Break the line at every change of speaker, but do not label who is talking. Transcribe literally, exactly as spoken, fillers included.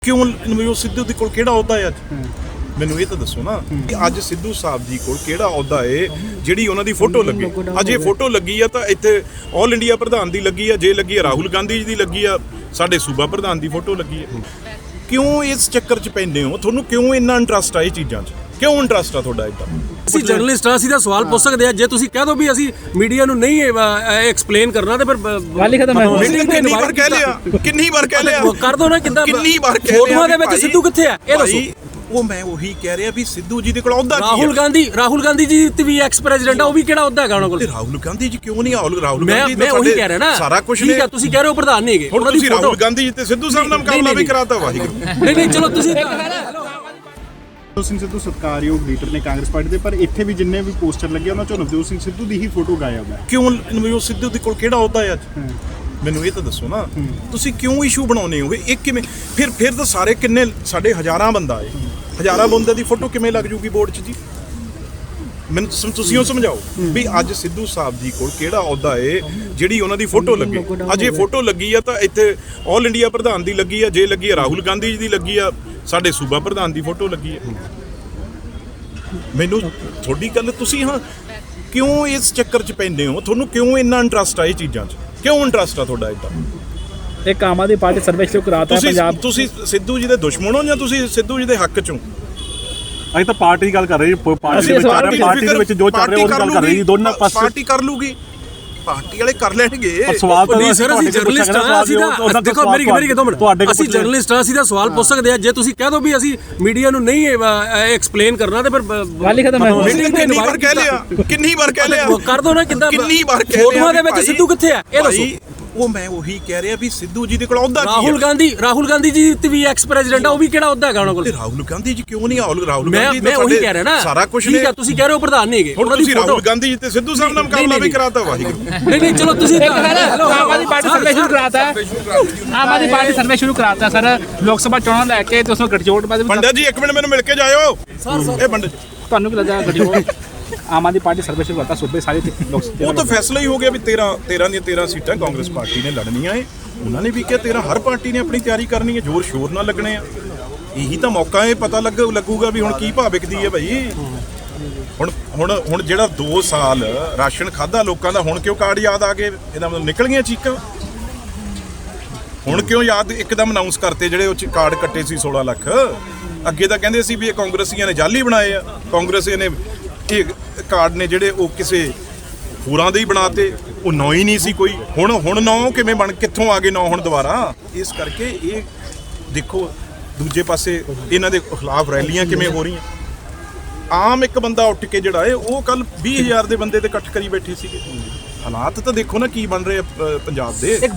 ਕਿਉਂ ਨਵਜੋਤ ਸਿੱਧੂ ਦੇ ਕੋਲ ਕਿਹੜਾ ਅਹੁਦਾ ਹੈ ਅੱਜ? ਮੈਨੂੰ ਇਹ ਤਾਂ ਦੱਸੋ ਨਾ ਕਿ ਅੱਜ ਸਿੱਧੂ ਸਾਹਿਬ ਜੀ ਕੋਲ ਕਿਹੜਾ ਅਹੁਦਾ ਹੈ ਜਿਹੜੀ ਉਹਨਾਂ ਦੀ ਫੋਟੋ ਲੱਗੀ। ਅੱਜ ਇਹ ਫੋਟੋ ਲੱਗੀ ਆ ਤਾਂ ਇੱਥੇ ਆਲ ਇੰਡੀਆ ਪ੍ਰਧਾਨ ਦੀ ਲੱਗੀ ਆ, ਜੇ ਲੱਗੀ ਆ ਰਾਹੁਲ ਗਾਂਧੀ ਜੀ ਦੀ ਲੱਗੀ ਆ, ਸਾਡੇ ਸੂਬਾ ਪ੍ਰਧਾਨ ਦੀ ਫੋਟੋ ਲੱਗੀ ਆ। ਕਿਉਂ ਇਸ ਚੱਕਰ 'ਚ ਪੈਂਦੇ ਹੋ? ਤੁਹਾਨੂੰ ਕਿਉਂ ਇੰਨਾ ਇੰਟਰਸਟ ਆ ਇਹ ਚੀਜ਼ਾਂ 'ਚ? ਕਿਉਂ ਇੰਟਰਸਟ ਆ ਤੁਹਾਡਾ ਇੱਦਾਂ?
ਅਸੀਂ ਜਰਨਲਿਸਟ ਆ, ਅਸੀਂ ਤਾਂ ਸਵਾਲ ਪੁੱਛ ਸਕਦੇ ਆ। ਜੇ ਤੁਸੀਂ ਕਹਿ ਦੋ ਵੀ ਅਸੀਂ ਮੀਡੀਆ ਨੂੰ ਨਹੀਂ ਐਕਸਪਲੇਨ ਕਰਨਾ ਤੇ ਫਿਰ
ਗੱਲ ਹੀ ਖਤਮ ਹੈ।
ਕਿੰਨੀ ਵਾਰ ਕਹਿ ਲਿਆ, ਕਿੰਨੀ ਵਾਰ ਕਹਿ ਲਿਆ,
ਕਰ ਦੋ ਨਾ। ਕਿੱਦਾਂ
ਕਿੰਨੀ ਵਾਰ ਕਹਿ ਲਿਆ
ਫੋਟੋਆਂ ਦੇ ਵਿੱਚ ਸਿੱਧੂ ਕਿੱਥੇ ਆ ਇਹ ਦੱਸੋ।
ਉਹ ਮੈਂ ਉਹੀ ਕਹਿ ਰਿਹਾ ਵੀ ਸਿੱਧੂ ਜੀ ਦੇ ਕੋਲ ਅਹੁਦਾ ਕੀ ਹੈ?
ਰਾਹੁਲ ਗਾਂਧੀ ਰਾਹੁਲ ਗਾਂਧੀ ਜੀ ਤੇ ਵੀ ਐਕਸ ਪ੍ਰੈਜ਼ੀਡੈਂਟ ਆ, ਉਹ ਵੀ ਕਿਹੜਾ ਅਹੁਦਾ ਹੈਗਾ ਉਹਨਾਂ ਕੋਲ?
ਰਾਹੁਲ ਗਾਂਧੀ ਜੀ ਕਿਉਂ ਨਹੀਂ? ਰਾਹੁਲ ਰਾਹੁਲ
ਮੈਂ
ਗਾਂਧੀ
ਮੈਂ ਉਹੀ ਕਹਿ ਰਿਹਾ ਨਾ,
ਸਾਰਾ ਕੁਝ
ਠੀਕ ਆ। ਤੁਸੀਂ ਕਹਿ ਰਹੇ ਹੋ ਪ੍ਰਧਾਨ ਨਹੀਂ ਹੈਗੇ,
ਹੁਣ ਤੁਸੀਂ ਰਾਹੁਲ ਗਾਂਧੀ ਜੀ ਤੇ ਸਿੱਧੂ ਸਾਹਿਬ ਨਾਲ ਮੁਕਾਬਲਾ ਵੀ ਕਰਾਤਾ। ਵਾਹਿਗੁਰੂ
ਨਹੀਂ ਨਹੀਂ ਚਲੋ ਤੁਸੀਂ
ਨਵਜੋਤ ਸਿੰਘ ਸਿੱਧੂ ਸਤਿਕਾਰਯੋਗ ਲੀਡਰ ਨੇ ਕਾਂਗਰਸ ਪਾਰਟੀ ਦੇ, ਪਰ ਇੱਥੇ ਵੀ ਜਿੰਨੇ ਵੀ ਪੋਸਟਰ ਲੱਗੇ ਉਹਨਾਂ ਚੋਂ ਨਵਜੋਤ ਸਿੰਘ ਸਿੱਧੂ ਦੀ ਹੀ ਫੋਟੋ ਗਾਇਬ ਹੈ।
ਕਿਉਂ ਨਵਜੋਤ ਸਿੱਧੂ ਦੇ ਕੋਲ ਕਿਹੜਾ ਅਹੁਦਾ ਹੈ ਅੱਜ? ਮੈਨੂੰ ਇਹ ਤਾਂ ਦੱਸੋ ਨਾ, ਤੁਸੀਂ ਕਿਉਂ ਇਸ਼ੂ ਬਣਾਉਨੇ ਹੋਗੇ? ਇੱਕ ਕਿਵੇਂ ਫਿਰ ਫਿਰ ਤਾਂ ਸਾਰੇ ਕਿੰਨੇ ਸਾਡੇ ਹਜ਼ਾਰਾਂ ਬੰਦਾ ਹੈ, ਹਜ਼ਾਰਾਂ ਬੰਦੇ ਦੀ ਫੋਟੋ ਕਿਵੇਂ ਲੱਗ ਜੂਗੀ ਬੋਰਡ 'ਚ ਜੀ? ਮੈਨੂੰ ਤੁਸੀਂ ਉਹ ਸਮਝਾਓ ਵੀ ਅੱਜ ਸਿੱਧੂ ਸਾਹਿਬ ਜੀ ਕੋਲ ਕਿਹੜਾ ਅਹੁਦਾ ਹੈ ਜਿਹੜੀ ਉਹਨਾਂ ਦੀ ਫੋਟੋ ਲੱਗੇ। ਅੱਜ ਇਹ ਫੋਟੋ ਲੱਗੀ ਆ ਤਾਂ ਇੱਥੇ ਆਲ ਇੰਡੀਆ ਪ੍ਰਧਾਨ ਦੀ ਲੱਗੀ ਆ, ਜੇ ਲੱਗੀ ਆ ਰਾਹੁਲ ਗਾਂਧੀ ਜੀ ਦੀ ਲੱਗੀ ਆ, ਸਾਡੇ ਸੂਬਾ ਪ੍ਰਧਾਨ ਦੀ ਫੋਟੋ ਲੱਗੀ ਹੈ। ਮੈਨੂੰ ਤੁਹਾਡੀ ਗੱਲ ਤੁਸੀਂ ਹਾਂ ਕਿਉਂ ਇਸ ਚੱਕਰ 'ਚ ਪੈਂਦੇ ਹੋ? ਤੁਹਾਨੂੰ ਕਿਉਂ ਇੰਨਾ ਇੰਟਰਸਟ ਆ ਇਹ ਚੀਜ਼ਾਂ 'ਚ? ਕਿਉਂ ਇੰਟਰਸਟ ਆ ਤੁਹਾਡਾ ਇੱਦਾਂ?
ਇੱਕ ਆਮ ਆਦਮੀ ਪਾਰਟੀ ਸਰਵੇ ਸ਼ੁਰੂ ਕਰਾਤਾ ਹੈ ਪੰਜਾਬ।
ਤੁਸੀਂ ਸਿੱਧੂ ਜੀ ਦੇ ਦੁਸ਼ਮਣ ਹੋ ਜਾਂ ਤੁਸੀਂ ਸਿੱਧੂ ਜੀ ਦੇ ਹੱਕ 'ਚੋਂ?
ਅਸੀਂ ਤਾਂ ਪਾਰਟੀ ਦੀ ਗੱਲ ਕਰ ਰਹੇ ਜੀ। ਪਾਰਟੀ ਦੇ ਵਿੱਚ ਪਾਰਟੀ ਦੇ ਵਿੱਚ ਜੋ ਚੱਲ ਰਿਹਾ ਉਹਦੀ ਗੱਲ ਕਰ ਰਹੇ ਜੀ। ਦੋਨਾਂ ਪਾਸੇ
ਪਾਰਟੀ ਕਰ ਲੂਗੀ, ਪਾਰਟੀ ਵਾਲੇ ਕਰ ਲੈਣਗੇ।
ਸਵਾਲ ਤਾਂ
ਨਹੀਂ ਸਰ, ਅਸੀਂ ਜਰਨਲਿਸਟ ਆ। ਅਸੀਂ ਤਾਂ ਦੇਖੋ ਮੇਰੀ ਮੇਰੀ ਕਿਦੋਂ ਮਿੰਟ ਅਸੀਂ ਜਰਨਲਿਸਟ ਆ, ਅਸੀਂ ਤਾਂ ਸਵਾਲ ਪੁੱਛ ਸਕਦੇ ਆ। ਜੇ ਤੁਸੀਂ ਕਹਿ ਦੋ ਵੀ ਅਸੀਂ ਮੀਡੀਆ ਨੂੰ ਨਹੀਂ ਐਕਸਪਲੇਨ ਕਰਨਾ ਤੇ ਫਿਰ
ਗੱਲ ਹੀ ਖਤਮ ਹੈ।
ਕਿੰਨੀ ਵਾਰ ਕਹਿ ਲਿਆ, ਕਿੰਨੀ ਵਾਰ ਕਹਿ ਲਿਆ,
ਕਰ ਦੋ ਨਾ। ਕਿੱਦਾਂ
ਕਿੰਨੀ ਵਾਰ ਕਹਿ ਲਿਆ
ਫੋਟੋਆਂ ਦੇ ਵਿੱਚ ਸਿੱਧੂ ਕਿੱਥੇ ਆ ਇਹ ਦੱਸੋ।
ਉਹ ਮੈਂ ਉਹੀ ਕਹਿ ਰਿਹਾ ਵੀ ਸਿੱਧੂ ਜੀ ਦੇ ਕੋਲ ਅਹੁਦਾ ਕੀ ਹੈ?
ਰਾਹੁਲ ਗਾਂਧੀ ਰਾਹੁਲ ਗਾਂਧੀ ਜੀ ਤੇ ਵੀ ਐਕਸ ਪ੍ਰੈਜ਼ੀਡੈਂਟ ਆ, ਉਹ ਵੀ ਕਿਹੜਾ ਅਹੁਦਾ ਹੈਗਾ ਉਹਨਾਂ ਕੋਲ?
ਰਾਹੁਲ ਗਾਂਧੀ ਜੀ ਕਿਉਂ ਨਹੀਂ? ਰਾਹੁਲ
ਮੈਂ
ਗਾਂਧੀ
ਮੈਂ ਉਹੀ ਕਹਿ ਰਿਹਾ ਨਾ,
ਸਾਰਾ ਕੁਝ
ਠੀਕ ਆ। ਤੁਸੀਂ ਕਹਿ ਰਹੇ ਹੋ ਪ੍ਰਧਾਨ ਨਹੀਂ ਹੈਗੇ,
ਹੁਣ ਤੁਸੀਂ ਰਾਹੁਲ ਗਾਂਧੀ ਜੀ ਤੇ ਸਿੱਧੂ ਸਾਹਿਬ ਨਾਲ ਮੁਕਾਬਲਾ ਵੀ ਕਰਾਤਾ। ਵਾਹਿਗੁਰੂ
ਨਹੀਂ ਨਹੀਂ ਚਲੋ ਤੁਸੀਂ
ਆਮ ਆਦਮੀ ਪਾਰਟੀ ਸਰਵੇ ਸ਼ੁਰੂ ਕਰਾਤਾ ਹੈ। ਆਮ ਆਦਮੀ ਪਾਰਟੀ ਸਰਵੇ ਸ਼ੁਰੂ ਕਰਾਤਾ ਸਰ, ਲੋਕ ਸਭਾ ਚੋਣਾਂ ਲੈ ਕੇ ਤੇ ਉਸ ਨੂੰ ਗਠਜੋੜ ਬਾਅਦ
ਪੰਡਿਤ ਜੀ ਇੱਕ ਮਿੰਟ ਮੈਨੂੰ ਮਿਲ ਕੇ ਜਾਇਓ। ਇਹ ਪੰਡਿਤ
ਤੁਹਾਨੂੰ ਕੀ ਲੱਗਦਾ ਗਠਜੋੜ ਆਮ ਆਦਮੀ ਪਾਰਟੀ ਸਰਵੇ ਸ਼ੁਰੂ ਕਰਤਾ ਸੂਬੇ ਸਾਰੇ ਲੋਕ ਸਭਾ?
ਉਹ ਤਾਂ ਫੈਸਲਾ ਹੀ ਹੋ ਗਿਆ ਵੀ ਤੇਰਾਂ ਤੇਰਾਂ ਦੀਆਂ ਤੇਰਾਂ ਸੀਟਾਂ ਕਾਂਗਰਸ ਪਾਰਟੀ ਨੇ ਲੜਨੀਆਂ ਏ। ਉਹਨਾਂ ਨੇ ਵੀ ਕਿਹਾ ਤੇਰਾਂ ਹਰ ਪਾਰਟੀ ਨੇ ਆਪਣੀ ਤਿਆਰੀ ਕਰਨੀ ਹੈ, ਜ਼ੋਰ ਸ਼ੋਰ ਨਾਲ ਲੱਗਣੇ ਆ। ਇਹੀ ਤਾਂ ਮੌਕਾ ਹੈ, ਪਤਾ ਲੱਗ ਲੱਗੂਗਾ ਵੀ ਹੁਣ ਕੀ ਭਾਅ ਵਿਕਦੀ ਹੈ ਭਾਈ। ਹੁਣ ਹੁਣ ਹੁਣ ਜਿਹੜਾ ਦੋ ਸਾਲ ਰਾਸ਼ਨ ਖਾਧਾ ਲੋਕਾਂ ਦਾ, ਹੁਣ ਕਿਉਂ ਕਾਰਡ ਯਾਦ ਆ ਗਏ? ਇਹਦਾ ਮਤਲਬ ਨਿਕਲ ਗਈਆਂ ਚੀਕਾਂ। ਹੁਣ ਕਿਉਂ ਯਾਦ ਇੱਕਦਮ ਅਨਾਉਂਸ ਕਰਤੇ ਜਿਹੜੇ ਉਹ 'ਚ ਕਾਰਡ ਕੱਟੇ ਸੀ ਸੋਲਾਂ ਲੱਖ? ਅੱਗੇ ਤਾਂ ਕਹਿੰਦੇ ਸੀ ਵੀ ਇਹ ਕਾਂਗਰਸੀਆਂ ਨੇ ਜਾਲੀ ਬਣਾਏ ਆ, ਕਾਂਗਰਸੀਆਂ ਨੇ ਇਹ ਕਾਰਡ ਨੇ ਜਿਹੜੇ ਉਹ ਕਿਸੇ ਹੋਰਾਂ ਦੇ ਹੀ ਬਣਾਤੇ, ਉਹ ਨੌ ਹੀ ਨਹੀਂ ਸੀ ਕੋਈ। ਹੁਣ ਹੁਣ ਨੌ ਕਿਵੇਂ ਬਣ, ਕਿੱਥੋਂ ਆ ਗਏ ਨੌ ਹੁਣ ਦੁਬਾਰਾ? ਇਸ ਕਰਕੇ ਇਹ ਦੇਖੋ ਦੂਜੇ ਪਾਸੇ ਇਹਨਾਂ ਦੇ ਖਿਲਾਫ ਰੈਲੀਆਂ ਕਿਵੇਂ ਹੋ ਰਹੀਆਂ। ਆਮ ਇੱਕ ਬੰਦਾ ਉੱਠ ਕੇ ਜਿਹੜਾ ਹੈ ਉਹ ਕੱਲ ਵੀਹ ਹਜ਼ਾਰ ਦੇ ਬੰਦੇ ਤੇ ਇਕੱਠ ਕਰੀ ਬੈਠੇ ਸੀਗੇ। ਹਾਲਾਤ ਤਾਂ ਦੇਖੋ ਨਾ ਕੀ ਬਣ ਰਹੇ ਪੰਜਾਬ ਦੇ।